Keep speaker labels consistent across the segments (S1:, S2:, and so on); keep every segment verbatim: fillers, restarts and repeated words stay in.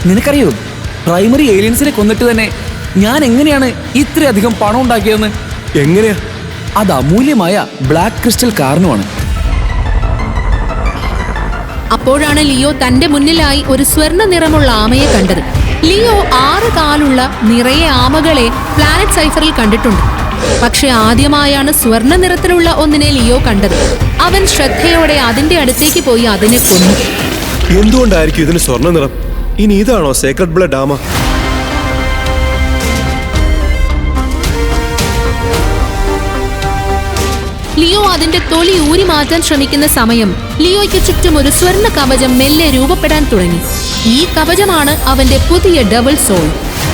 S1: നിനക്കറിയോ, പ്രൈമറി ഏലിയൻസിനെ കൊന്നിട്ട് തന്നെ ഞാൻ എങ്ങനെയാണ് ഇത്രയധികം പണം ഉണ്ടാക്കിയതെന്ന്?
S2: എങ്ങനെയാ?
S1: അത് അമൂല്യമായ ബ്ലാക്ക് ക്രിസ്റ്റൽ കാരണമാണ്.
S3: അപ്പോഴാണ് ലിയോ തന്റെ മുന്നിലായി ഒരു സ്വർണ്ണ നിറമുള്ള ആമയെ കണ്ടത്. ലിയോ ആറ് കാലുള്ള നിറയെ ആമകളെ പ്ലാനറ്റ് സൈഫറിൽ കണ്ടിട്ടുണ്ട്. പക്ഷെ ആദ്യമായാണ് സ്വർണ്ണ നിറത്തിലുള്ള ഒന്നിനെ ലിയോ കണ്ടത്. അവൻ ശ്രദ്ധയോടെ അതിന്റെ അടുത്തേക്ക് പോയി അതിനെ കൊന്നു.
S2: എന്തുകൊണ്ടായിരിക്കും ഇതിന് സ്വർണ്ണ നിറം? ഇനി ഇതാണോ സേക്രഡ് ബ്ലഡ് ആമ?
S3: ലിയോ അതിന്റെ തൊലി ഊരി മാറ്റാൻ ശ്രമിക്കുന്ന സമയം ലിയോയ്ക്ക് ചുറ്റും ഒരു സ്വർണ്ണ കവചം മെല്ലെ രൂപപ്പെടാൻ തുടങ്ങി. ഈ കവചമാണ് അവന്റെ പുതിയ ഡബിൾ സോൾ.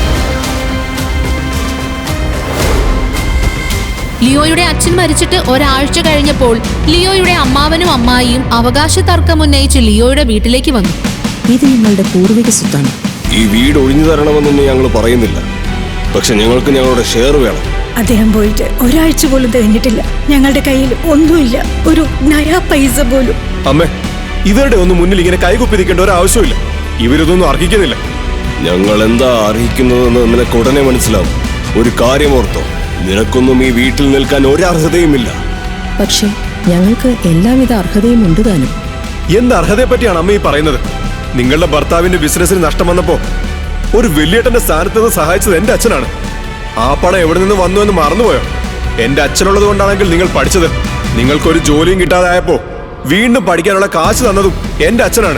S3: ലിയോയുടെ അച്ഛൻ മരിച്ചിട്ട് ഒരാഴ്ച കഴിഞ്ഞപ്പോൾ ലിയോയുടെ അമ്മാവനും അമ്മായിയും അവകാശ തർക്കം ഉന്നയിച്ച് ലിയോയുടെ വീട്ടിലേക്ക് വന്നു.
S4: ഇത് നിങ്ങളുടെ പൂർവിക സ്വത്താണ്.
S2: ഈ വീട് ഒഴിഞ്ഞു തരണമെന്നൊന്നും ഞങ്ങൾ പറയുന്നില്ല, പക്ഷെ ഞങ്ങൾക്ക് ഞങ്ങളുടെ ഷെയർ വേണം.
S5: അദ്ദേഹം പോയിട്ട് ഒരാഴ്ച പോലും കഴിഞ്ഞിട്ടില്ല. ഞങ്ങളുടെ കയ്യിൽ ഒന്നുമില്ല, ഒരു നയാ പൈസ പോലും.
S2: അമ്മേ, ഇവരുടെ ഒന്നും മുന്നിൽ ഇങ്ങനെ കൈകുപ്പിരിക്കേണ്ട ഒരു ആവശ്യമില്ല. ഇവരിതൊന്നും അർഹിക്കുന്നില്ല. ഞങ്ങൾ എന്താ അർഹിക്കുന്നതെന്ന് നിനക്ക് ഉടനെ മനസ്സിലാവും. ഒരു കാര്യം ഓർത്തോ, നിനക്കൊന്നും ഈ വീട്ടിൽ നിൽക്കാൻ ഒരർഹതയുമില്ല.
S4: പക്ഷെ ഞങ്ങൾക്ക് എല്ലാവിധ അർഹതയും ഉണ്ട് താനും.
S2: എന്ത് അർഹതയെ പറ്റിയാണ് അമ്മ ഈ പറയുന്നത്? നിങ്ങളുടെ ഭർത്താവിന്റെ ബിസിനസ്സിന് നഷ്ടം വന്നപ്പോ ഒരു വലിയേട്ടന്റെ സ്ഥാനത്ത് നിന്ന് സഹായിച്ചത് എന്റെ അച്ഛനാണ്. ആ പണം എവിടെ നിന്ന് വന്നു എന്ന് മറന്നുപോയോ? എന്റെ അച്ഛനുള്ളത് കൊണ്ടാണെങ്കിൽ നിങ്ങൾ പഠിച്ചത്. നിങ്ങൾക്കൊരു ജോലിയും കിട്ടാതായപ്പോ വീണ്ടും പഠിക്കാനുള്ള കാശ് തന്നതും എന്റെ അച്ഛനാണ്.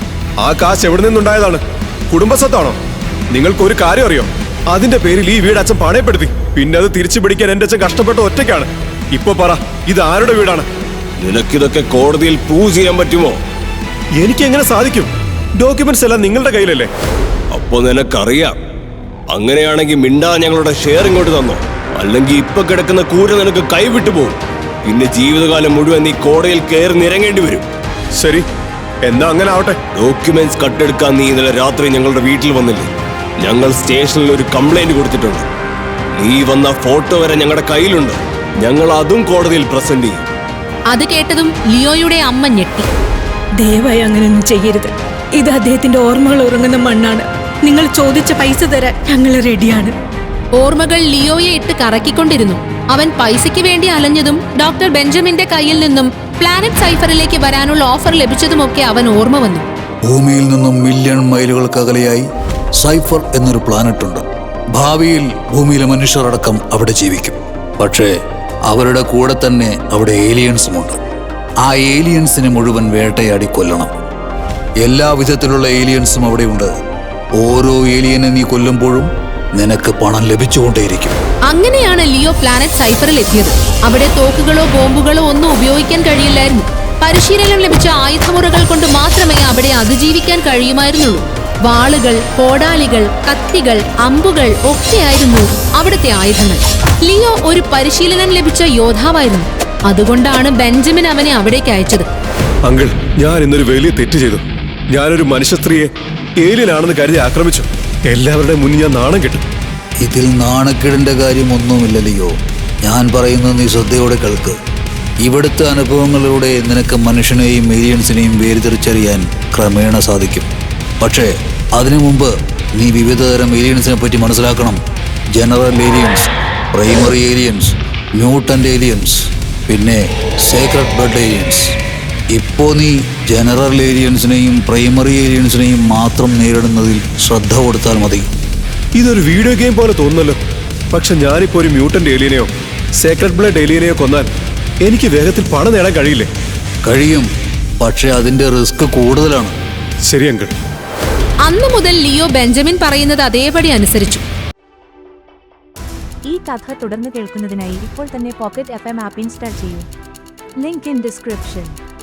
S2: ആ കാശ് എവിടെ നിന്നുണ്ടായതാണ്? കുടുംബസ്വത്താണോ? നിങ്ങൾക്കൊരു കാര്യം അറിയോ? അതിന്റെ പേരിൽ ഈ വീട് അച്ഛൻ പണയപ്പെടുത്തി. പിന്നെ അത് തിരിച്ചു പിടിക്കാൻ എന്റെ അച്ഛൻ കഷ്ടപ്പെട്ട ഒറ്റയ്ക്കാണ്. ഇപ്പൊ പറ, ഇത് ആരുടെ വീടാണ്? നിനക്കിതൊക്കെ കോടതിയിൽ പ്രൂവ് ചെയ്യാൻ പറ്റുമോ? എനിക്ക് എങ്ങനെ സാധിക്കും? ഡോക്യുമെന്റ്സ് എല്ലാം നിങ്ങളുടെ കയ്യിലല്ലേ? അപ്പൊ നിനക്കറിയാം. അങ്ങനെയാണെങ്കിൽ മിണ്ടാ ഞങ്ങളുടെ ഷെയർ ഇങ്ങോട്ട് തന്നോ, അല്ലെങ്കിൽ ഇപ്പൊ കിടക്കുന്ന കൂര നിനക്ക് കൈവിട്ടു പോകും. പിന്നെ ജീവിതകാലം മുഴുവൻ നീ കോടതിയിൽ കയറി നിരങ്ങേണ്ടി വരും. ശരി, എന്നാ അങ്ങനെ ആവട്ടെ. ഡോക്യുമെന്റ്സ് കട്ടെടുക്കാൻ നീ ഇന്നലെ രാത്രി ഞങ്ങളുടെ വീട്ടിൽ വന്നില്ലേ? ഞങ്ങൾ സ്റ്റേഷനിൽ ഒരു കംപ്ലൈന്റ് കൊടുത്തിട്ടുണ്ട്. നീ വന്ന ഫോട്ടോ വരെ ഞങ്ങളുടെ കയ്യിലുണ്ട്. ഞങ്ങൾ അതും കോടതിയിൽ പ്രസന്റ് ചെയ്യും.
S3: അത് കേട്ടതും ലിയോയുടെ അമ്മ ഞെട്ടി.
S5: ദയവായി അങ്ങനെയൊന്നും ചെയ്യരുത്. ഇത് അദ്ദേഹത്തിന്റെ ഓർമ്മകൾ ഉറങ്ങുന്ന മണ്ണാണ്. നിങ്ങൾ ചോദിച്ച പൈസ തരാൻ ഞങ്ങൾ റെഡിയാണ്.
S3: ഓർമ്മകൾ ലിയോയെ ഇട്ട് കറക്കിക്കൊണ്ടിരുന്നു. അവൻ പൈസയ്ക്ക് വേണ്ടി അലഞ്ഞതും ഡോക്ടർ ബെഞ്ചമിന്റെ കയ്യിൽ നിന്നും പ്ലാനറ്റ് സൈഫറിലേക്ക് വരാനുള്ള ഓഫർ ലഭിച്ചതുമൊക്കെ അവൻ ഓർമ്മ വന്നു.
S6: ഭൂമിയിൽ നിന്നും മില്യൺ മൈലുകൾക്കകലെയായി സൈഫർ എന്നൊരു പ്ലാനറ്റ് ഉണ്ട്. ഭാവിയിൽ ഭൂമിയിലെ മനുഷ്യർ അടക്കം അവിടെ ജീവിക്കും. പക്ഷേ അവരുടെ കൂടെ തന്നെ അവിടെ ഏലിയൻസുമുണ്ട്. ആ ഏലിയൻസിനെ മുഴുവൻ വേട്ടയാടി കൊല്ലണം. എല്ലാ വിധത്തിലുള്ള ഏലിയൻസും അവിടെയുണ്ട്. ഓരോ ഏലിയനെ നീ കൊല്ലുമ്പോഴും നിനക്ക് പണം ലഭിച്ചുകൊണ്ടേയിരിക്കും.
S3: അങ്ങനെയാണ് ലിയോ പ്ലാനറ്റ് സൈഫറിൽ എത്തിയത്. അവിടെ തോക്കുകളോ ബോംബുകളോ ഒന്നും ഉപയോഗിക്കാൻ കഴിയില്ലായിരുന്നു. പരിശീലനം ലഭിച്ച ആയുധമുറകൾ കൊണ്ട് മാത്രമേ അവിടെ അതിജീവിക്കാൻ കഴിയുമായിരുന്നുള്ളൂ. വാളുകൾ, കോടാലികൾ, കത്തികൾ, അമ്പുകൾ ഒക്കെയായിരുന്നു അവിടുത്തെ ആയുധങ്ങൾ. ലിയോ ഒരു പരിശീലനം ലഭിച്ച യോദ്ധാവായിരുന്നു. അതുകൊണ്ടാണ് ബെഞ്ചമിൻ അവനെ അവിടേക്ക് അയച്ചത്.
S2: അങ്കിൾ, ഞാൻ ഇന്നൊരു വലിയ തെറ്റ് ചെയ്തു. ഞാനൊരു മനുഷ്യ സ്ത്രീയെ ഏലിയനാണെന്ന് കരുതി ആക്രമിച്ചു. എല്ലാവരുടെ മുന്നിൽ ഞാൻ നാണം കിട്ടും.
S6: ഇതിൽ നാണക്കേടിന്റെ കാര്യം ഒന്നുമില്ലല്ലോ. ഞാൻ പറയുന്നത് നീ ശ്രദ്ധയോടെ കേൾക്ക്. ഇവിടുത്തെ അനുഭവങ്ങളിലൂടെ നിനക്ക് മനുഷ്യനെയും ഏലിയൻസിനെയും വേർതിരിച്ചറിയാൻ ക്രമേണ സാധിക്കും. പക്ഷേ അതിനു മുമ്പ് നീ വിവിധതരം ഏലിയൻസിനെ പറ്റി മനസ്സിലാക്കണം. General aliens, primary aliens, mutant aliens, പിന്നെ സേക്രഡ് ബ്ലഡ് ഏലിയൻസ്. ഇപ്പോൾ നീ ജനറൽ ഏലിയൻസിനെയും പ്രൈമറി ഏലിയൻസിനെയും മാത്രം നേരിടുന്നതിൽ ശ്രദ്ധ കൊടുത്താൽ മതി.
S2: ഇതൊരു വീഡിയോ ഗെയിം പോലെ തോന്നുന്നല്ലോ. പക്ഷെ ഞാനിപ്പോൾ ഒരു മ്യൂട്ടന്റ് ഏലിയനെയോ സേക്രഡ് ബ്ലഡ് ഏലിയനെയോ കൊന്നാൽ എനിക്ക് വേഗത്തിൽ പണം നേടാൻ കഴിയില്ലേ?
S6: കഴിയും, പക്ഷെ അതിന്റെ റിസ്ക് കൂടുതലാണ്.
S2: ശരി അങ്കിൾ.
S3: അന്നു മുതൽ ലിയോ ബെഞ്ചമിൻ പറയുന്നത് അതേപടി അനുസരിച്ചു.
S7: ഈ കഥ തുടർന്ന് കേൾക്കുന്നതിനായി ഇപ്പോൾ തന്നെ പോക്കറ്റ് എഫ് എം ആപ്പ് ഇൻസ്റ്റാൾ ചെയ്യൂ. Link in description.